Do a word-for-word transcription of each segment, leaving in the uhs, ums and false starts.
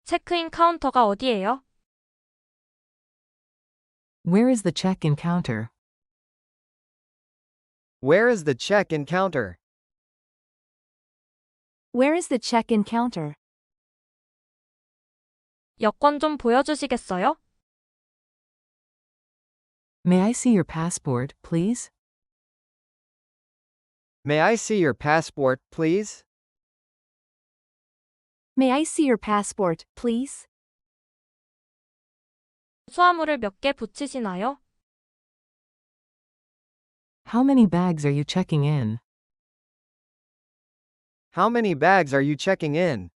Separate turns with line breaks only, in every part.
체크인 카운터가 어디예요?
Where is the check-in counter?
Where is the check-in counter?
Where is the check-in counter?
여권 좀 보여주시겠어요?
May I see your passport, please?
May I see your passport, please?
May I see your passport, please?
수화물을 몇 개 붙이시나요?
How many bags are you checking in?
How many bags are you checking in?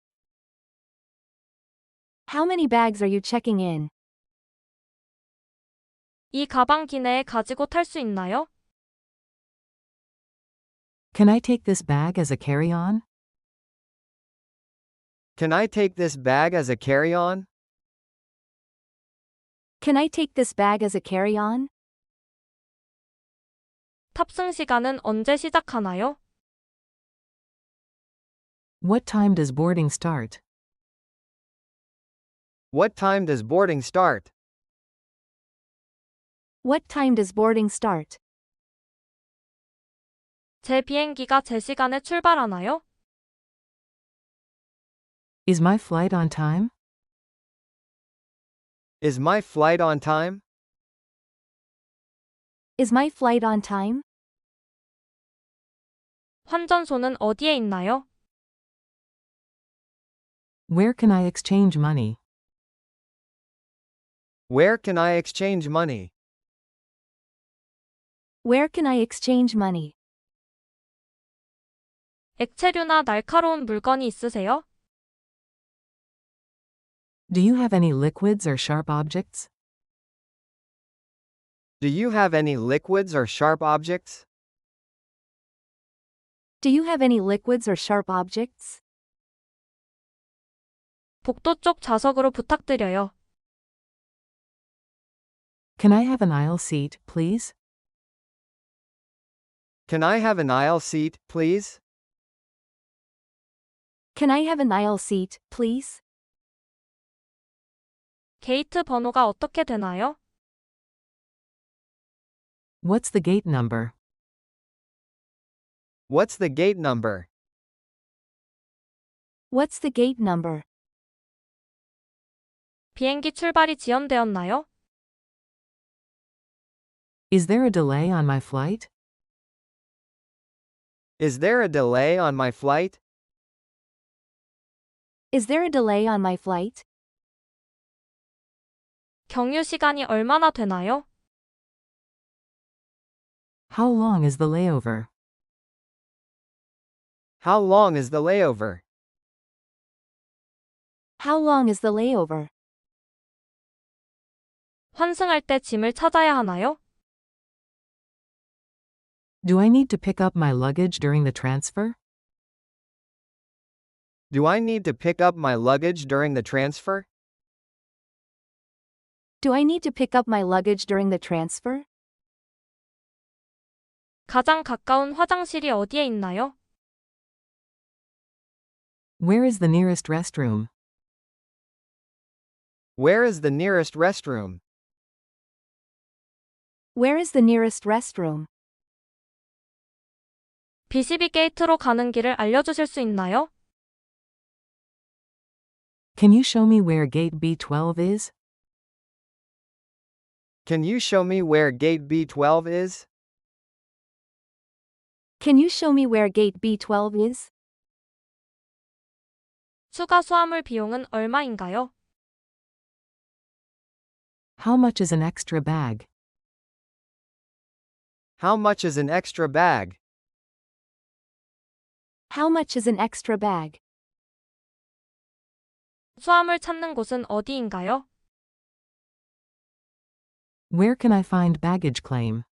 How many bags are you checking in?
이 가방 기내에 가지고 탈 수 있나요?
Can I take this bag as a carry-on?
Can I take this bag as a carry-on?
Can I take this bag as a carry-on?
탑승 시간은 언제 시작하나요?
What time does boarding start?
What time does boarding start?
What time does boarding start?
제 비행기가 제 시간에 출발하나요?
Is my flight on time?
Is my flight on time?
Is my flight on time?
환전소는 어디에 있나요?
Where can I exchange money?
Where can I exchange money?
Where can I exchange money?
액체류나 날카로운 물건이 있으세요?
Do you have any liquids or sharp objects?
Do you have any liquids or sharp objects?
Do you have any liquids or sharp objects?
복도 쪽 좌석으로 부탁드려요.
Can I have an aisle seat, please?
Can I have an aisle seat, please?
Can I have an aisle seat, please?
게이트 번호가 어떻게 되나요?
What's the gate number?
What's the gate number?
What's the gate number?
비행기 출발이 지연되었나요?
Is there a delay on my flight?
Is there a delay on my flight?
Is there a delay on my flight?
경유 시간이 얼마나 되나요?
How long is the layover?
How long is the layover?
How long is the layover?
환승할 때 짐을 찾아야 하나요?
Do I need to pick up my luggage during the transfer?
Do I need to pick up my luggage during the transfer?
Do I need to pick up my luggage during the transfer?
가장 가까운 화장실이 어디에 있나요?
Where is the nearest restroom?
Where is the nearest restroom?
Where is the nearest restroom?
비시비 게이트로 가는 길을 알려주실 수 있나요?
Can you show me where gate B twelve is?
Can you show me where gate B twelve is?
Can you show me where gate B twelve is?
추가 수화물 비용은 얼마인가요?
How much is an extra bag?
How much is an extra bag?
How much is an extra bag?
수화물 찾는 곳은 어디인가요?
Where can I find baggage claim?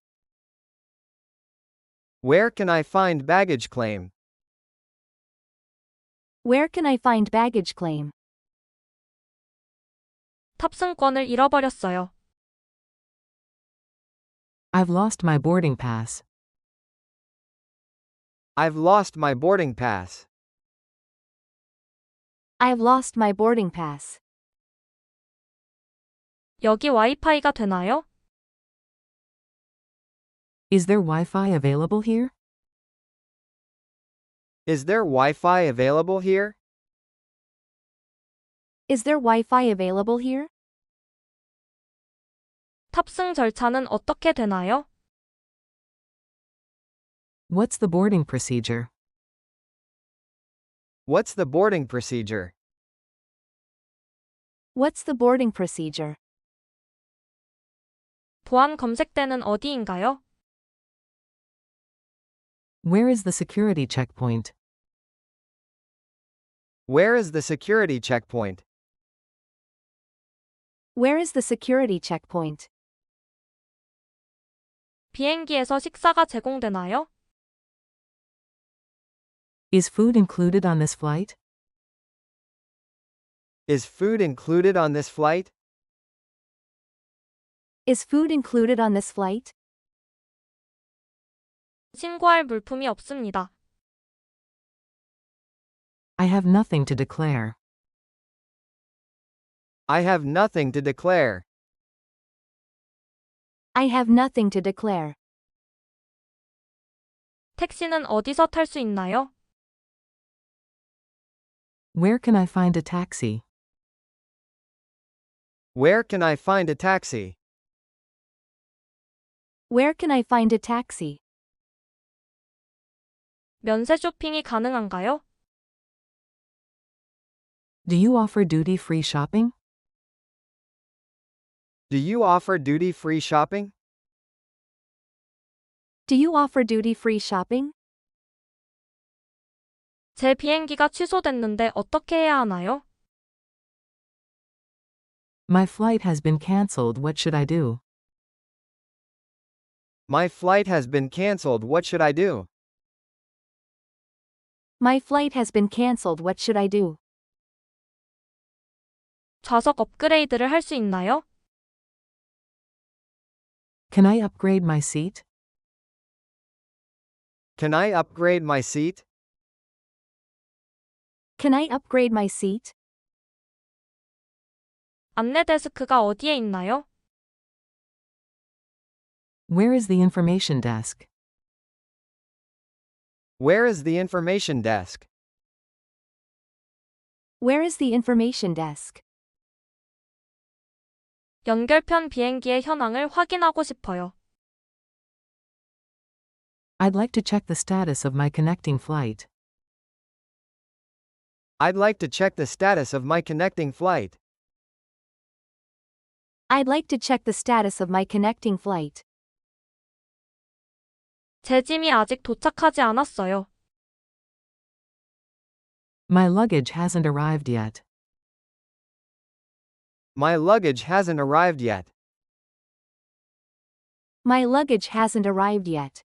Where can I find baggage claim?
Where can I find baggage claim?
탑승권을 잃어버렸어요.
I've lost my boarding pass.
I've lost my boarding pass.
I've lost my boarding pass.
여기 와이파이가 되나요?
Is there Wi-Fi available here?
Is there Wi-Fi available here?
Is there Wi-Fi available here?
탑승 절차는 어떻게 되나요?
What's the boarding procedure?
What's the boarding procedure?
What's the boarding procedure?
보안 검색대는 어디인가요?
Where is the security checkpoint?
Where is the security checkpoint?
Where is the security checkpoint?
비행기에서 식사가 제공되나요?
Is food included on this flight?
Is food included on this flight?
Is food included on this flight?
신고할 물품이 없습니다.
I have nothing to declare.
I have nothing to declare.
I have nothing to declare.
택시는 어디서 탈 수 있나요?
Where can I find a taxi?
Where can I find a taxi?
Where can I find a taxi?
면세 쇼핑이 가능한가요?
Do you offer duty-free shopping?
Do you offer duty-free shopping?
Do you offer duty-free shopping?
제 비행기가 취소됐는데 어떻게 해야 하나요?
My flight has been cancelled. What should I do?
My flight has been cancelled. What should I do?
My flight has been cancelled. What should I do?
좌석 업그레이드를 할 수 있나요?
Can I upgrade my seat?
Can I upgrade my seat?
Can I upgrade my seat?
안내 데스크가 어디에 있나요?
Where is the information desk?
Where is the information desk?
Where is the information desk?
연결편 비행기의 현황을 확인하고 싶어요.
I'd like to check the status of my connecting flight.
I'd like to check the status of my connecting flight.
I'd like to check the status of my connecting flight.
제 짐이 아직 도착하지 않았어요.
My luggage hasn't arrived yet.
My luggage hasn't arrived yet.
My luggage hasn't arrived yet.